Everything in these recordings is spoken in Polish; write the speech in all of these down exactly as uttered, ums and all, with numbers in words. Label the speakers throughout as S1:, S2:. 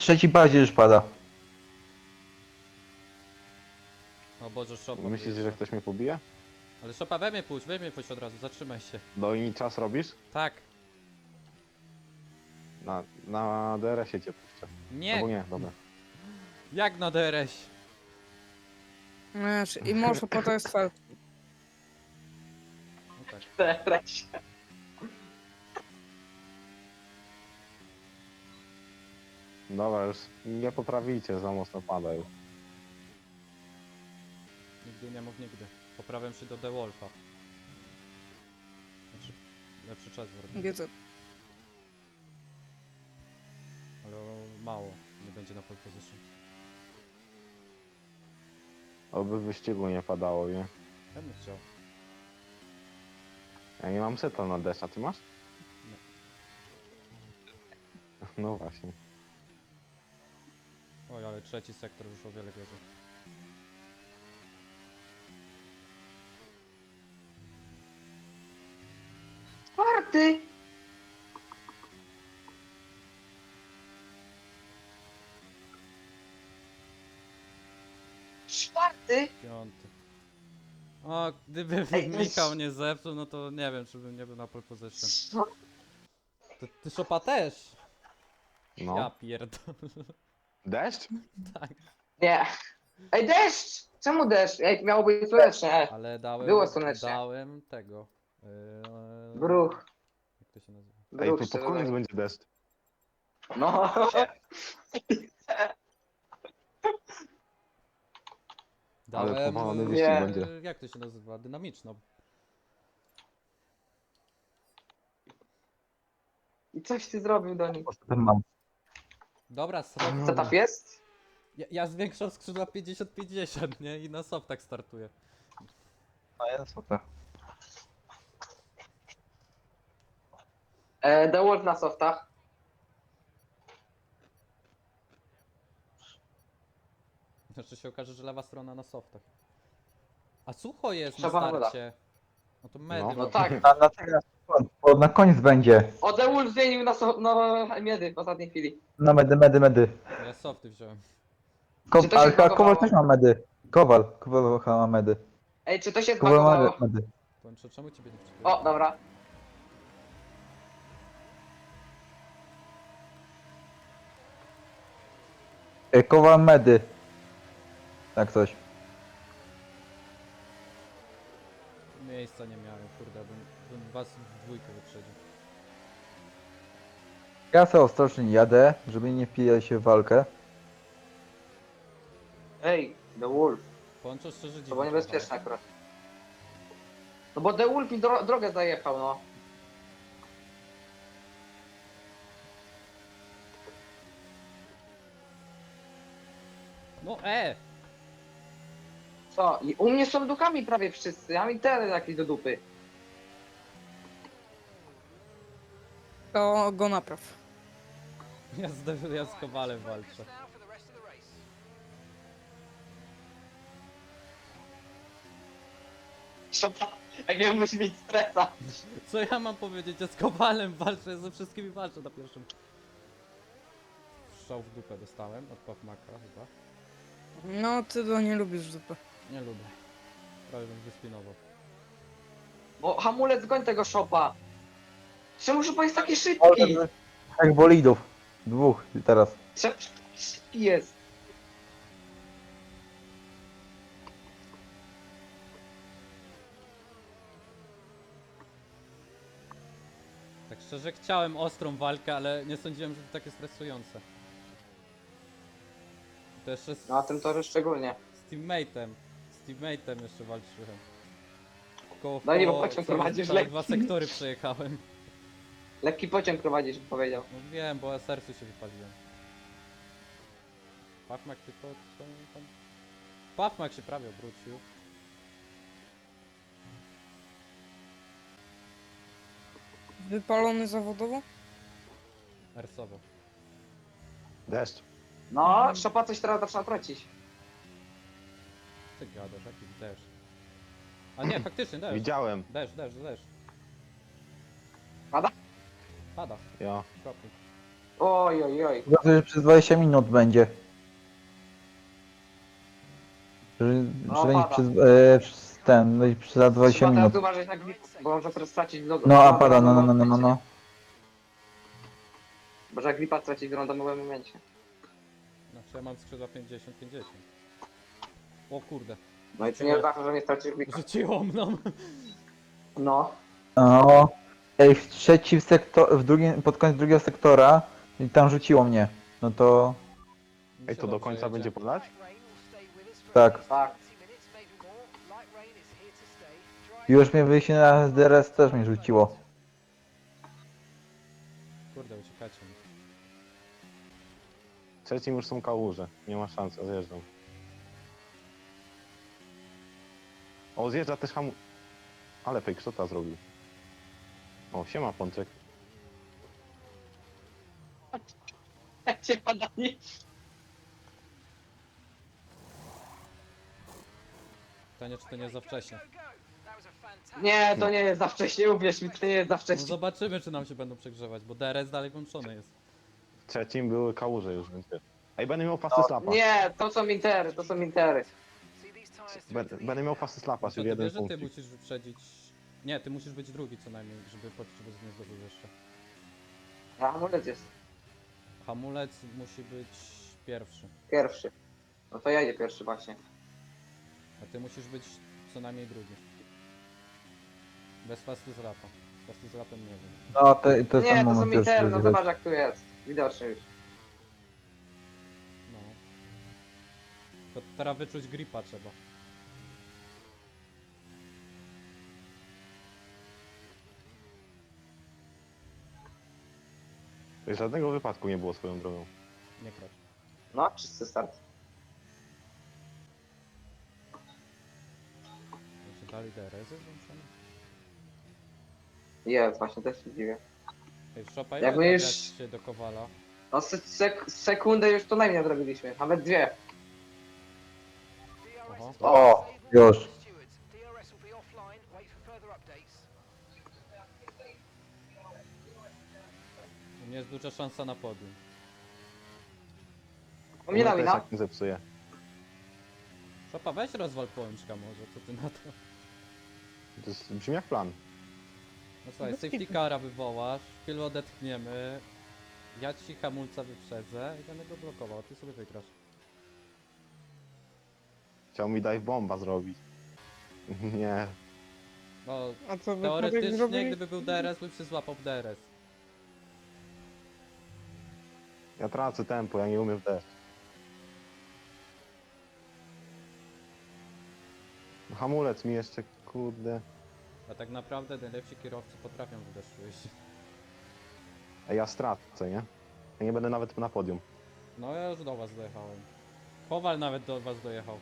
S1: Trzeci bardziej już pada.
S2: O Boże, szopa.
S3: Myślisz, że
S2: wyjeżdża.
S3: ktoś mnie pobije?
S2: Ale szopa, we mnie pójdź, we mnie pójdź od razu, zatrzymaj się.
S3: No i czas robisz?
S2: Tak.
S3: Na, na D R S-ie cię puszczę.
S2: Nie.
S3: Albo nie, dobra.
S2: Jak na D R S?
S4: Wiesz, i może po to jest fel.
S2: No tak.
S5: Teraz.
S3: Dobra, już nie poprawicie, za mocno pada już.
S2: Nigdy nie mów nigdy. Poprawiam się do The Wolfa. Znaczy, lepszy czas zrobię.
S4: Wiedzę.
S2: Ale mało. Nie będzie na pole position.
S3: Oby w wyścigu nie padało, nie?
S2: Ja bym chciał.
S3: Ja nie mam seta na deszcz, a ty masz?
S2: Nie.
S3: No właśnie.
S2: Oj, ale trzeci sektor już o wiele gorzej.
S5: Czwarty! Czwarty?
S2: Piąty. O, gdyby
S5: Ej,
S2: Michał nie zepsuł, no to nie wiem, czy bym nie był na pole position.
S5: Co?
S2: Ty, ty szopa też!
S3: No.
S2: Ja pierdolę.
S3: Deszcz?
S2: Tak.
S5: Nie. Ej, deszcz! Czemu deszcz? Ej, miało być słonecznie.
S2: Ale dałem...
S5: Było słonecznie.
S2: Dałem tego... Yy,
S5: Bruch.
S2: jak to się nazywa?
S3: Ej,
S5: Bruch
S3: to
S5: się
S3: pod koniec
S5: dodaje.
S3: będzie deszcz.
S5: No.
S3: Ale
S2: Dałem...
S3: powalony
S2: yy,
S3: wyścig
S5: Nie.
S3: będzie.
S2: Jak to się nazywa? Dynamiczną.
S5: I coś ty zrobił do nich.
S1: Ten mam.
S2: Dobra, soft.
S5: Setup jest?
S2: Ja, ja zwiększam skrzydła pięćdziesiąt pięćdziesiąt, nie? I na softach startuję.
S1: A ja super.
S5: E, The Wolf na softach.
S2: Znaczy się okaże, że lewa strona na softach. A sucho jest
S5: Trzeba
S2: na
S5: woda.
S2: starcie. No to medy.
S3: No.
S5: No
S2: mogą-
S5: tak.
S1: A na teraz, bo na koniec będzie.
S5: O, The Wolf zmienił na, so na miedy w ostatniej chwili.
S1: Na medy, medy, medy.
S2: Ja softy wziąłem.
S1: Ko
S5: Czy to się
S1: ale chyba Kowal
S5: zbagowało?
S1: też ma medy. Kowal, Kowal chyba ma medy.
S5: Ej, czy to się
S1: Kowal ma
S5: zbagowało?
S1: medy.
S2: Kończę, czemu ciebie nie wczytuję?
S5: O, dobra.
S1: E, Kowal medy. Tak coś.
S2: Miejsca nie miałem, kurde, bym, bym was w dwójkę wyprzedził.
S1: Ja sobie ostrożnie jadę, żeby nie wpijać się w walkę.
S5: Ej, The Wolf.
S2: Połączę szczerze
S5: To
S2: dziwnie.
S5: było niebezpieczne akurat. No bo The Wolf mi dro drogę zajechał, no.
S2: No e!
S5: Co? I u mnie są duchami prawie wszyscy. Ja mam internet jakiś do dupy.
S4: To go napraw.
S2: Ja z, ja z Kowalem walczę.
S5: Jak nie musi mieć stresa.
S2: Co ja mam powiedzieć? Ja z Kowalem walczę, ja ze wszystkimi walczę na pierwszym. Strzał w dupę dostałem od Pawmaka chyba.
S4: No, ty to nie lubisz zupy.
S2: Nie lubię. Prawie bym wyspinował.
S5: Bo hamulec goń tego szopa. Czemu szopa jest taki szybki?
S1: Jak bolidów. Dwóch teraz.
S5: Czemu szopa taki szybki jest?
S2: Tak szczerze chciałem ostrą walkę, ale nie sądziłem, że to takie stresujące. To jeszcze z,
S5: No a tym torze szczególnie.
S2: z teammate'em. Z teammate'em jeszcze walczyłem. Koło w
S5: No nie, bo
S2: koło
S5: pociąg
S2: całe-
S5: prowadzisz
S2: całe
S5: lekki.
S2: dwa sektory przejechałem.
S5: Lekki pociąg prowadzisz, powiedział.
S2: No wiem, bo ja sercu się wypaliłem. Pawmak tylko co tam? Pawmak się prawie obrócił.
S4: Wypalony zawodowo?
S2: Ersowo.
S3: Deszcz.
S5: No, szopa coś teraz zaczyna tracić.
S2: Ty gadasz, jaki deszcz. A nie, faktycznie deszcz.
S3: Widziałem.
S2: Deszcz, deszcz, deszcz.
S5: Pada?
S2: Pada,
S3: Ja.
S2: kropli.
S5: Oj, oj, oj.
S1: Chyba to, że przez dwadzieścia minut będzie. Że,
S5: No,
S1: że będzie
S5: pada.
S1: przez, e, przez ten, będzie przez dwadzieścia
S5: Trzeba teraz
S1: minut.
S5: uważać na grip, bo może teraz stracić do...
S1: No a
S5: do-
S1: pada,
S5: do-
S1: no, no,
S5: do-
S1: no, no, no, no.
S5: Może gripa stracić w randomowym momencie.
S2: Znaczy ja mam skrzydła pięćdziesiąt pięćdziesiąt. O kurde.
S5: No i to nie oznacza, że nie stracisz gripa.
S2: Rzuciło mną.
S5: No.
S1: No. Ej, w trzecim sektor, w drugim, pod koniec drugiego sektora i tam rzuciło mnie. No to
S3: Ej, to do końca będzie podać?
S1: tak.
S5: Tak.
S1: Już mnie wyjście na D R S też mnie rzuciło.
S2: Kurde, uciekacie mi.
S3: Trzecim już są kałuże. Nie ma szans, ja zjeżdżam. O, zjeżdża też hamu... Ale fake shota zrobił. O, siema Pączek.
S5: Jak cię padanie.
S2: Pytanie, czy to nie za wcześnie.
S5: Nie, to nie jest za wcześnie, uwierz mi, to nie jest za
S2: No
S5: wcześnie.
S2: zobaczymy, czy nam się będą przegrzewać, bo D R S dalej włączony jest.
S3: W trzecim były kałuże już, więc wiesz. Ej, będę miał fasty slapa.
S5: Nie, to są intery, to są intery.
S3: Będę, będę miał fasty slapa,
S2: Co,
S3: czyli
S2: ty
S3: jeden
S2: wiesz, że ty
S3: punkt.
S2: musisz wyprzedzić... Nie, ty musisz być drugi co najmniej, żeby poczciwość nie zdobył jeszcze.
S5: A amulet jest
S2: Hamulec musi być pierwszy,
S5: pierwszy. No to ja idę pierwszy właśnie.
S2: a ty musisz być co najmniej drugi. Bez fasty z lapa. Z fasty z lapem nie wiem.
S1: No to, to jest
S5: Nie,
S1: ten
S5: to są
S1: moment już.
S5: intery, no
S1: żeby-
S5: zobacz jak tu jest. Widocznie już.
S2: No. To teraz wyczuć gripa trzeba.
S3: Żadnego wypadku nie było swoją drogą.
S2: Nie krać.
S5: No, czysty start.
S2: Czy dalej D R S jest włączony?
S5: Jest, właśnie też się dziwię.
S2: Ej, Szopa,
S5: Jakby
S2: jak
S5: już-
S2: już... się do Kowala?
S5: No se sek sekundę już to najmniej zrobiliśmy, nawet dwie.
S2: Oho.
S1: O, już.
S2: U mnie jest duża szansa na podium.
S5: U mnie na
S3: też
S5: wina.
S3: jak nie zepsuje.
S2: Szopa, weź rozwal płączka może, co ty na to?
S3: To jest, brzmi jak plan.
S2: No słuchaj,
S4: Bez
S2: safety
S4: kitu.
S2: cara wywołasz, chwilę odetchniemy, ja ci hamulca wyprzedzę i będę go blokował, a ty sobie wygrasz.
S3: Chciał mi dive bomba zrobić. Nie.
S2: No,
S4: A co wy
S2: teoretycznie,
S4: zrobili?
S2: gdyby był D R S, bym się złapał w D R S.
S3: Ja tracę tempo, ja nie umiem w deszcz. Hamulec mi jeszcze, kurde.
S2: A tak naprawdę najlepsi kierowcy potrafią w deszczu jeździć.
S3: Ej, ja stracę, nie? Ja nie będę nawet na podium.
S2: No ja już do was dojechałem. Kowal nawet do was dojechał.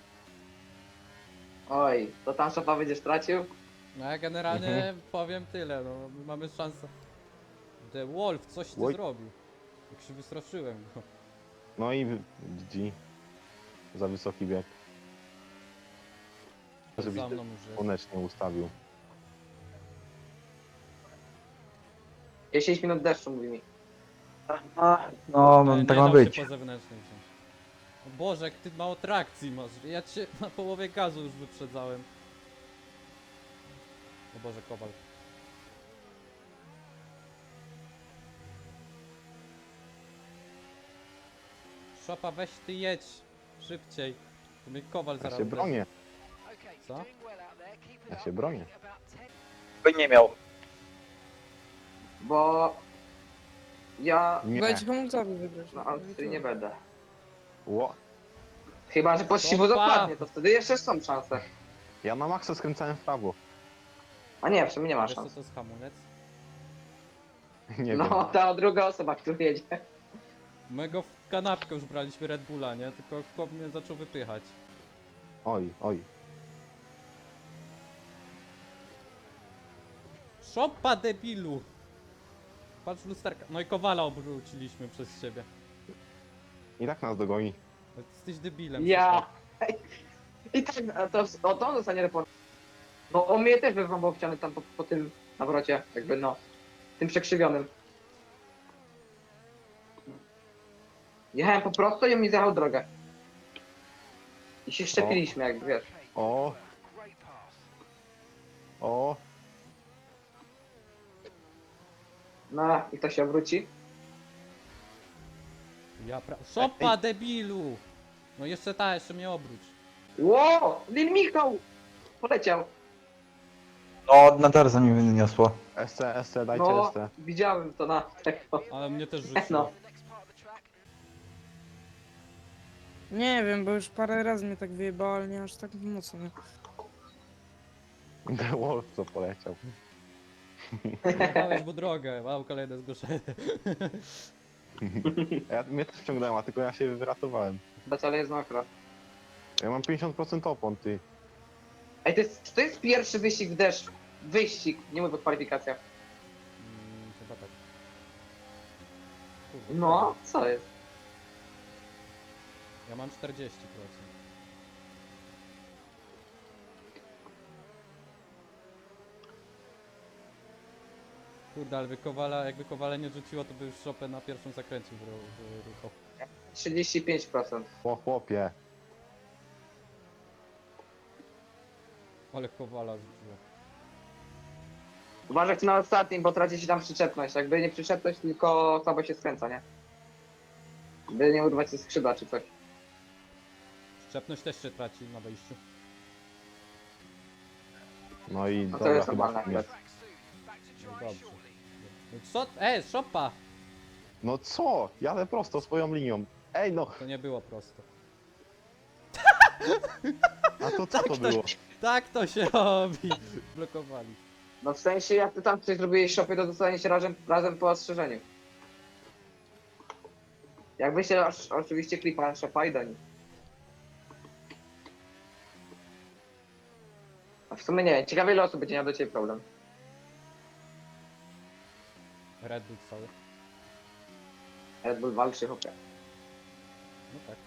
S5: Oj, to tam szopa będziesz stracił?
S2: No ja generalnie
S3: Mhm.
S2: powiem tyle, no my mamy szansę. The Wolf, coś ty
S3: Oj.
S2: zrobił. Jak się wystraszyłem go.
S3: No i G G. Za wysoki bieg. Żebyś
S2: Za mną już jest.
S3: słonecznie ustawił.
S5: dziesięć minut deszczu, mówi mi.
S1: No,
S2: Ale nie
S1: tak ma
S2: dał
S1: być.
S2: się po zewnętrznej wziąć. O Boże, jak ty mało trakcji masz. Ja cię na połowie gazu już wyprzedzałem. O Boże, Kowal. Szopa, weź ty jedź. Szybciej. To mnie Kowal
S3: Ja
S2: zaraz
S3: się
S2: uderzy.
S3: bronię,
S2: Co?
S3: ja się bronię.
S1: By nie miał.
S5: Bo... Ja...
S3: Nie.
S4: Dajcie hamulcowi wygrać.
S5: No, ale wtedy nie będę.
S3: Ło.
S5: Chyba, że pościwu
S2: Szopa!
S5: dokładnie, to wtedy jeszcze są szanse.
S3: Ja na maksa skręcałem w prawo.
S5: A nie, w sumie nie ma
S2: Wiesz co
S5: szans.
S2: to jest hamulec?
S3: Nie
S5: No,
S3: wiem.
S5: ta druga osoba, która jedzie.
S2: My go w kanapkę już braliśmy Red Bulla, nie? Tylko chłop mnie zaczął wypychać.
S3: Oj, oj.
S2: Szopa, debilu! Patrz w lusterka. No i Kowala obróciliśmy przez ciebie.
S3: I tak nas dogoni.
S2: Jesteś debilem.
S5: Ja... I tak, a to, o to on dostanie report. No, on mnie też wyrwał ściany tam po, po tym nawrocie, jakby no, tym przekrzywionym. Jechałem po prostu i on mi zjechał drogę. I się szczepiliśmy, jak wiesz.
S3: O! O!
S5: No i to się obróci.
S2: Ja pra... Szopa, debilu! No jeszcze ta, jeszcze mnie obróć.
S5: Ło! Lil Michał! Poleciał.
S1: No, na Tarza mi wyniosło.
S3: S C, S C, dajcie
S5: No,
S3: S C.
S5: widziałem to na tego.
S2: Ale mnie też
S5: No.
S2: rzuciło.
S4: Nie wiem, bo już parę razy mnie tak wyjebało, ale nie aż tak mocno. Nie?
S3: The Wolf co poleciał.
S2: Dałeś mu drogę, mam kolejne zgłoszenie.
S3: Ja, mnie też wciągnąłem, a tylko ja się wyratowałem.
S5: Wcale jest mokro.
S3: Ja mam pięćdziesiąt procent opon, ty.
S5: Ej, to jest, czy to jest pierwszy wyścig w deszcz? Wyścig, nie mówię o kwalifikacjach.
S2: Mm, chyba tak. Kurde,
S5: No, co jest?
S2: Ja mam czterdzieści procent. Kurde, ale wykowala, jakby Kowale nie rzuciło, to by już szopę na pierwszym zakręcie wyruchał.
S5: trzydzieści pięć procent.
S3: O chłopie.
S2: Ale Kowala rzuciło.
S5: Uważajcie na ostatnim, bo traci się tam przyczepność. Jakby nie przyczepność, tylko słabo się skręca, nie? By nie urwać ze skrzydła czy coś.
S2: Szczepność też się traci na wejściu.
S3: No i
S5: No to
S3: dobra,
S5: jest
S3: chyba.
S5: normalne akurat.
S2: No dobrze. No co? E, szopa!
S3: No co? Jadę prosto swoją linią. Ej no,
S2: To nie było prosto.
S3: a to co to było?
S2: Tak to się robi! Blokowali.
S5: No w sensie, jak ty tam coś zrobiłeś shopie, to dostaniecie razem, razem po ostrzeżeniu. Jak wyślę osz- oczywiście klipa shopa i do nich. A w sumie nie wiem, ciekawe ile osób będzie miał do ciebie problem.
S2: Red Bull cały.
S5: Red Bull walczy hopie.
S2: No tak.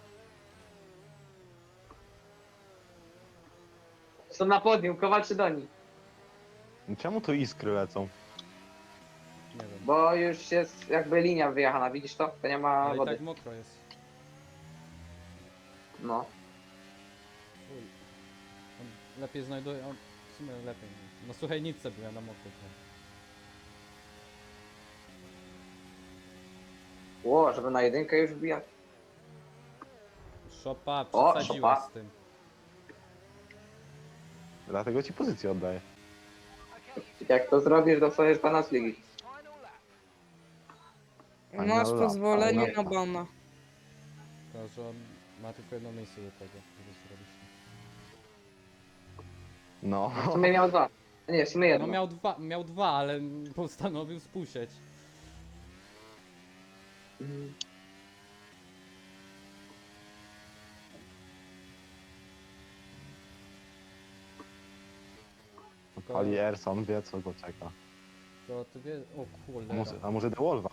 S5: Są na podium, Kowal czy do nich?
S3: Czemu tu iskry lecą?
S2: Nie wiem.
S5: Bo już jest jakby linia wyjechana, widzisz to? To nie ma
S2: Ale i
S5: wody.
S2: tak mokro jest.
S5: No.
S2: Uj. On lepiej znajduje, on w sumie lepiej. No słuchaj, nic sobie ja na mokro. to-
S5: Ło, żeby na jedynkę już wbijać.
S2: Szopa,
S5: O,
S2: przesadziła
S5: szopa.
S2: z tym.
S3: Dlatego ci pozycję oddaję.
S5: Jak to zrobisz, dostaniesz pana z ligi.
S3: Fajna
S4: Masz
S3: lata,
S4: pozwolenie
S3: fajna
S4: na bana.
S2: To, że on ma tylko jedno miejsce do tego, żeby zrobić.
S3: No.
S5: W sumie miał dwa. Nie, w sumie jedno.
S2: No miał dwa, miał dwa, ale postanowił spuścić.
S5: Mhm.
S3: Pali Erson, wie co go czeka.
S2: To ty wie... O
S3: A
S2: kurde.
S3: może, a może The Wolfa?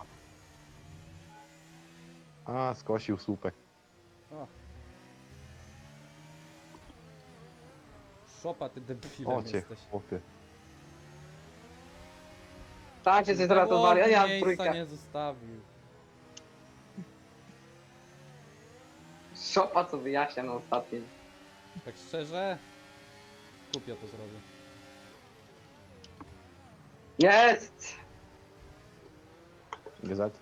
S3: A, skosił słupek.
S2: O. Szopa, ty debilem
S3: O cię,
S2: jesteś.
S3: chłopie.
S5: Tak się zratowali, a ja mam
S2: miejsca
S5: trójkę.
S2: nie zostawił.
S5: Szopa co wyjaśnia na ostatnim.
S2: Tak szczerze? Kupię to zrobię.
S5: Jest!
S3: G Z.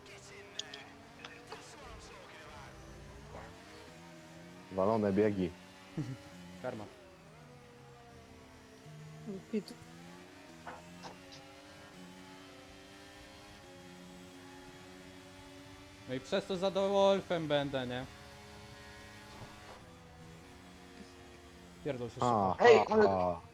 S3: Walone biegi.
S2: Karma.
S4: Pit.
S2: No i przez to za Wolfem będę, nie? Pierdol się
S3: A,
S2: Szopa.
S5: Ej,
S3: a,
S5: ale-
S3: a.